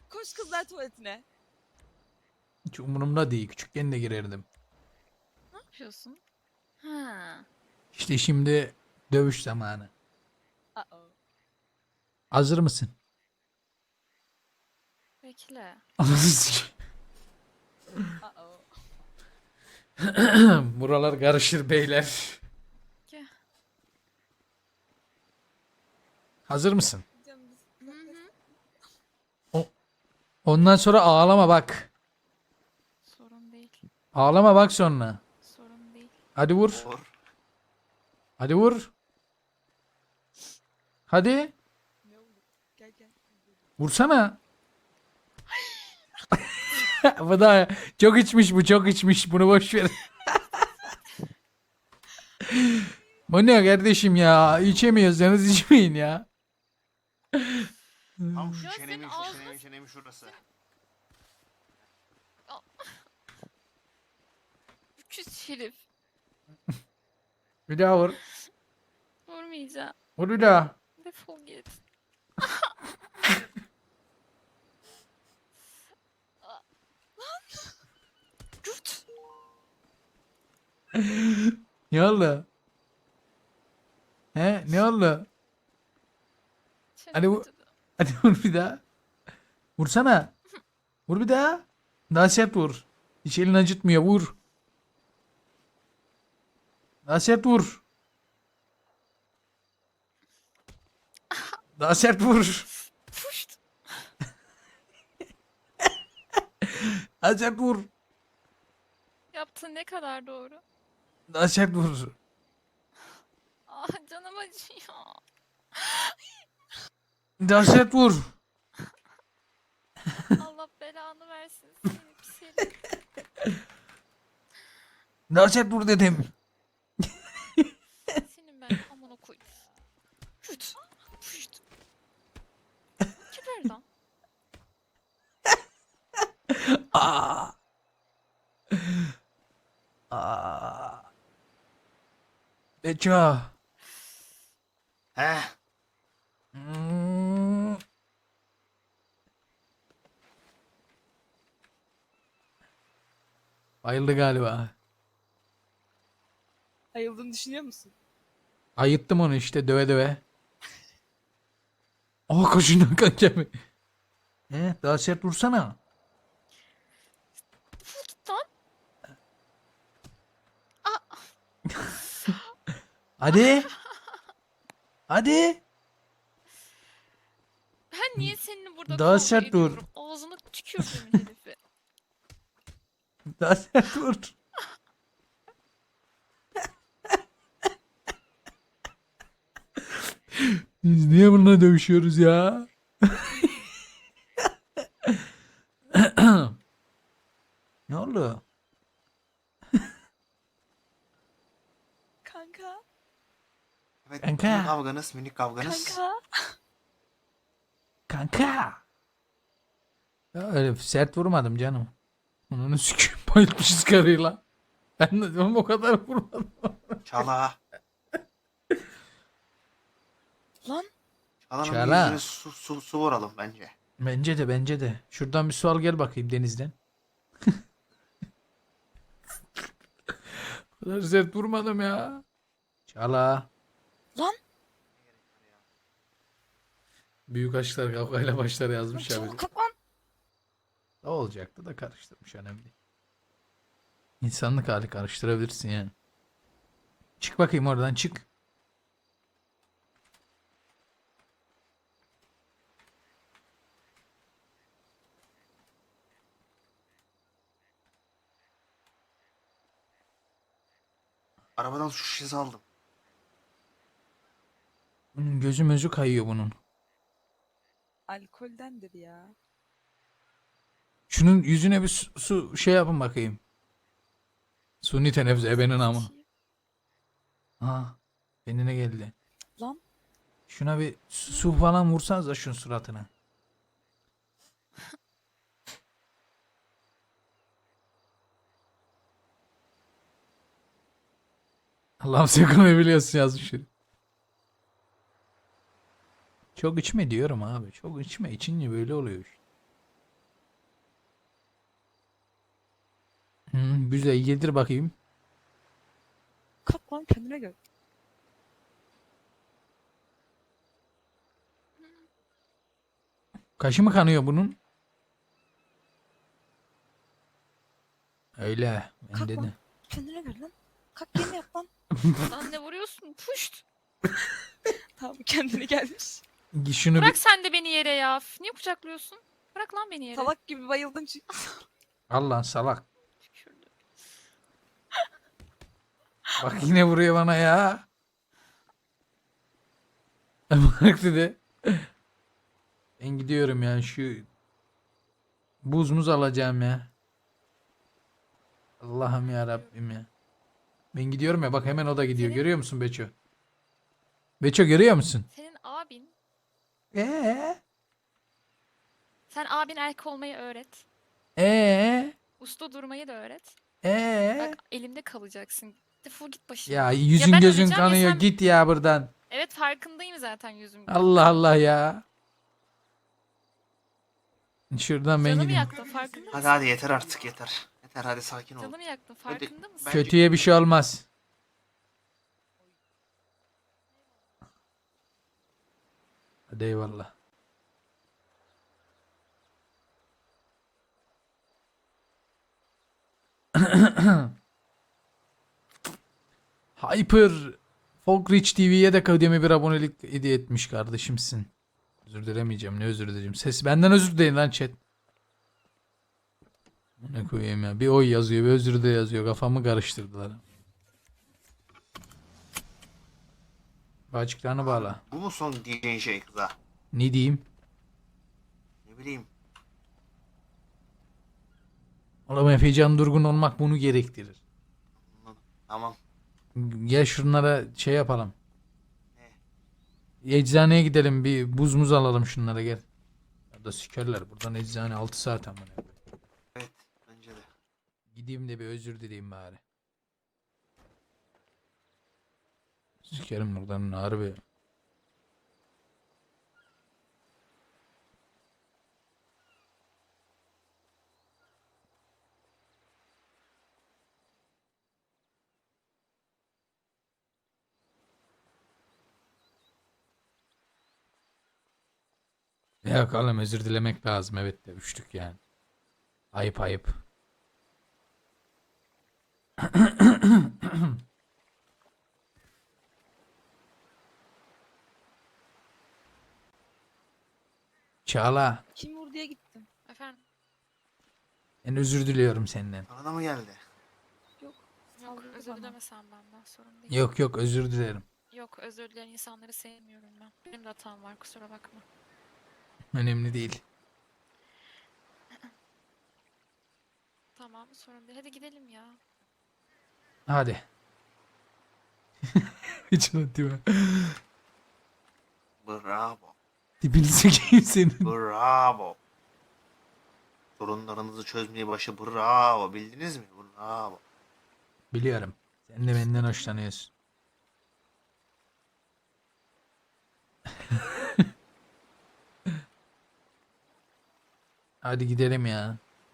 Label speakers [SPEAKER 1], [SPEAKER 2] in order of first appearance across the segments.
[SPEAKER 1] Koş kızlar tuvaletine.
[SPEAKER 2] Hiç umurumda değil. Küçükken de girerdim.
[SPEAKER 3] Ne yapıyorsun? Ha.
[SPEAKER 2] İşte şimdi dövüş zamanı.
[SPEAKER 1] Uh-oh.
[SPEAKER 2] Hazır mısın?
[SPEAKER 3] Bekle.
[SPEAKER 1] Uh-oh.
[SPEAKER 2] Buralar karışır beyler.
[SPEAKER 3] Gel.
[SPEAKER 2] Hazır mısın?
[SPEAKER 1] Canım biz-
[SPEAKER 3] Hı hı.
[SPEAKER 2] Ondan sonra ağlama bak.
[SPEAKER 3] Sorun değil.
[SPEAKER 2] Ağlama bak sonra.
[SPEAKER 3] Sorun değil.
[SPEAKER 2] Hadi vur.
[SPEAKER 4] Or.
[SPEAKER 2] Hadi vur. Hadi.
[SPEAKER 1] Ne oldu? Gel gel.
[SPEAKER 2] Vursana. Bu da çok içmiş bu, çok içmiş. Bunu boş ver. Bu ne kardeşim ya? İçemiyorsanız içmeyin ya.
[SPEAKER 4] Tam şu
[SPEAKER 3] Ya
[SPEAKER 4] çenemin
[SPEAKER 3] senin
[SPEAKER 4] şu
[SPEAKER 3] ağzına
[SPEAKER 4] çenemin şurası.
[SPEAKER 3] Küs herif.
[SPEAKER 2] Bir daha vur.
[SPEAKER 3] Vurmayacağım.
[SPEAKER 2] Vur bir daha.
[SPEAKER 3] Defol git. Yurt.
[SPEAKER 2] Ne oldu? He? Ne oldu? Hadi
[SPEAKER 3] Çenem
[SPEAKER 2] bu-
[SPEAKER 3] acıdı.
[SPEAKER 2] Hadi vur bir daha. Vursana. Vur bir daha. Daha sert vur. Hiç elini acıtmıyor. Vur. Daha sert vur. Daha sert vur.
[SPEAKER 3] Puşt.
[SPEAKER 2] Daha sert vur.
[SPEAKER 3] Yaptığın ne kadar doğru.
[SPEAKER 2] Daha sert vur.
[SPEAKER 3] Ah canım acıyor.
[SPEAKER 2] Daha sert vur.
[SPEAKER 3] Allah belanı versin seni pis herif.
[SPEAKER 2] Daha sert vur dedim.
[SPEAKER 3] Senin ben amına koyayım. Yurt. Puşt. Geber lan.
[SPEAKER 2] Aa. Aa. Beça.
[SPEAKER 4] He.
[SPEAKER 2] Hmm. Bayıldı galiba.
[SPEAKER 1] Ayıldığını düşünüyor musun?
[SPEAKER 2] Ayıttım onu işte döve döve. Aa koşundan kaçacağım. Daha sert vursana.
[SPEAKER 3] Vur lan.
[SPEAKER 2] Hadi. Hadi.
[SPEAKER 3] Ben niye seninle burada
[SPEAKER 2] Daha
[SPEAKER 3] kavga
[SPEAKER 2] sert dur.
[SPEAKER 3] ediyorum? Ağzına tükürdüğümün herifi.
[SPEAKER 2] Daha sert vur. Biz niye bununla dövüşüyoruz ya? Ne oldu?
[SPEAKER 1] Kanka.
[SPEAKER 4] Evet.
[SPEAKER 2] Kanka.
[SPEAKER 4] Minik kavganız, minik kavganız.
[SPEAKER 1] Kanka.
[SPEAKER 2] Kanka. Ya öyle sert vurmadım canım. Onu sikeyim bayılmışız karıyla. Ben de diyorum o kadar vurmadım.
[SPEAKER 4] Çala.
[SPEAKER 1] Lan.
[SPEAKER 4] Çalanın
[SPEAKER 2] Çala.
[SPEAKER 4] yüzüne su vuralım bence.
[SPEAKER 2] Bence de. Şuradan bir su al gel bakayım denizden. O kadar sert vurmadım ya. Çala.
[SPEAKER 1] Lan.
[SPEAKER 2] Büyük aşklar kavgayla başlar yazmış ya bize.
[SPEAKER 1] Çabuk kalk lan.
[SPEAKER 2] Ne olacaktı da karıştırmış önemli değil. İnsanlık hali karıştırabilirsin yani. Çık bakayım oradan çık.
[SPEAKER 4] Arabadan su şişesi aldım.
[SPEAKER 2] Gözü mözü kayıyor bunun.
[SPEAKER 1] Alkoldendir ya.
[SPEAKER 2] Şunun yüzüne bir su şey yapın bakayım. Suni teneffüs ebenin ama. Ha, kendine geldi.
[SPEAKER 1] Lan.
[SPEAKER 2] Şuna bir su falan vursanız da şunun suratına. Allah'ım sakın ne biliyorsun yazmış biri. Çok içme diyorum abi. Çok içme. İçince böyle oluyor işte. Güzel yedir bakayım.
[SPEAKER 1] Kalk lan kendine gel.
[SPEAKER 2] Kaşı mı kanıyor bunun? Öyle. Ben
[SPEAKER 1] Kalk
[SPEAKER 2] dedim.
[SPEAKER 1] lan. Kendine gel lan. Kalk yeni yap lan.
[SPEAKER 3] Lan ne vuruyorsun? Puşt.
[SPEAKER 1] Tamam kendine gelmiş.
[SPEAKER 2] Şunu bir...
[SPEAKER 3] Bırak sen de beni yere ya. Üf, niye kucaklıyorsun? Bırak lan beni yere.
[SPEAKER 1] Salak gibi bayıldın çünkü.
[SPEAKER 2] Al lan salak.
[SPEAKER 3] Tükürdüm.
[SPEAKER 2] Bak yine vuruyor bana ya. Bak dedi. Ben gidiyorum ya şu buz muz alacağım ya. Allah'ım ya Rabbim ya. Ben gidiyorum ya bak hemen o da gidiyor.
[SPEAKER 3] Senin-
[SPEAKER 2] Görüyor musun Beço? Beço görüyor musun?
[SPEAKER 3] Senin abin.
[SPEAKER 2] Ee?
[SPEAKER 3] Sen abin erkek olmayı öğret. Usta durmayı da öğret. Bak elimde kalacaksın. Defol git başımdan.
[SPEAKER 2] Ya yüzün
[SPEAKER 3] ben
[SPEAKER 2] gözün
[SPEAKER 3] öleceğim ya
[SPEAKER 2] kanıyor.
[SPEAKER 3] sen-
[SPEAKER 2] Git ya buradan.
[SPEAKER 3] Evet farkındayım zaten yüzüm.
[SPEAKER 2] Allah Allah ya. Şuradan ben
[SPEAKER 3] Canımı
[SPEAKER 2] gideyim.
[SPEAKER 3] yaktın farkında mısın?
[SPEAKER 4] Hadi yeter artık yeter. Yeter hadi sakin ol.
[SPEAKER 3] Canımı yaktın farkında mısın?
[SPEAKER 4] Ben-
[SPEAKER 2] Kötüye bir şey olmaz. Hadi eyvallah. Hyper Folk Rich TV'ye de kademe bir abonelik hediye etmiş kardeşimsin. Özür dilemeyeceğim. Ne özür dileyeceğim. Ses benden özür dileyin lan chat. Ne koyayım ya. Bir oy yazıyor, bir özür de yazıyor. Kafamı karıştırdılar. Bağcıklarını bağla.
[SPEAKER 4] Bu mu son diyeceğin şey kıza?
[SPEAKER 2] Ne diyeyim?
[SPEAKER 4] Ne bileyim.
[SPEAKER 2] Oğlum Efecan durgun olmak bunu gerektirir.
[SPEAKER 4] Anladım. Tamam.
[SPEAKER 2] Gel şunlara şey yapalım. Eczaneye gidelim bir buz muz alalım şunlara gel. Ya da sikerler buradan eczane 6 saat ama.
[SPEAKER 4] Evet bence de.
[SPEAKER 2] Gideyim de bir özür dileyeyim bari. Sikerim buradan harbi. Yok oğlum özür dilemek lazım evet de üçlük yani. Ayıp ayıp. Çağla,
[SPEAKER 1] Kim vur diye gittim.
[SPEAKER 3] Efendim
[SPEAKER 2] ben özür diliyorum senden.
[SPEAKER 4] Sana da mı geldi?
[SPEAKER 1] Yok.
[SPEAKER 3] yok
[SPEAKER 1] Saldırdı
[SPEAKER 3] özür
[SPEAKER 1] bana.
[SPEAKER 3] dilemesen benden sorun değil.
[SPEAKER 2] Yok yok özür dilerim.
[SPEAKER 3] Yok özür dileyen insanları sevmiyorum ben. Benim de hatam var kusura bakma.
[SPEAKER 2] Önemli değil.
[SPEAKER 3] Tamam sorun değil. Hadi gidelim ya.
[SPEAKER 2] Hadi. Hiç unutma.
[SPEAKER 4] Bravo.
[SPEAKER 2] Tipini sikeyim senin.
[SPEAKER 4] Bravo. Sorunlarınızı çözmeye başı bravo. Bildiniz mi? Bravo.
[SPEAKER 2] Biliyorum. Sen de benden hoşlanıyorsun. Hadi gidelim ya.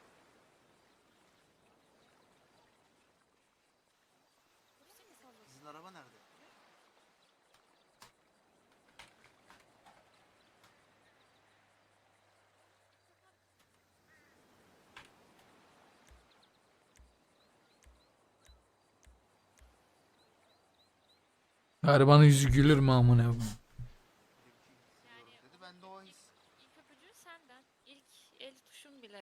[SPEAKER 4] Sizin araba nerede?
[SPEAKER 2] Garibanın yüzü gülür mü amına?
[SPEAKER 3] Yani
[SPEAKER 4] Dedi ben de o his.
[SPEAKER 3] ilk öpücüğü senden. İlk el tuşun bile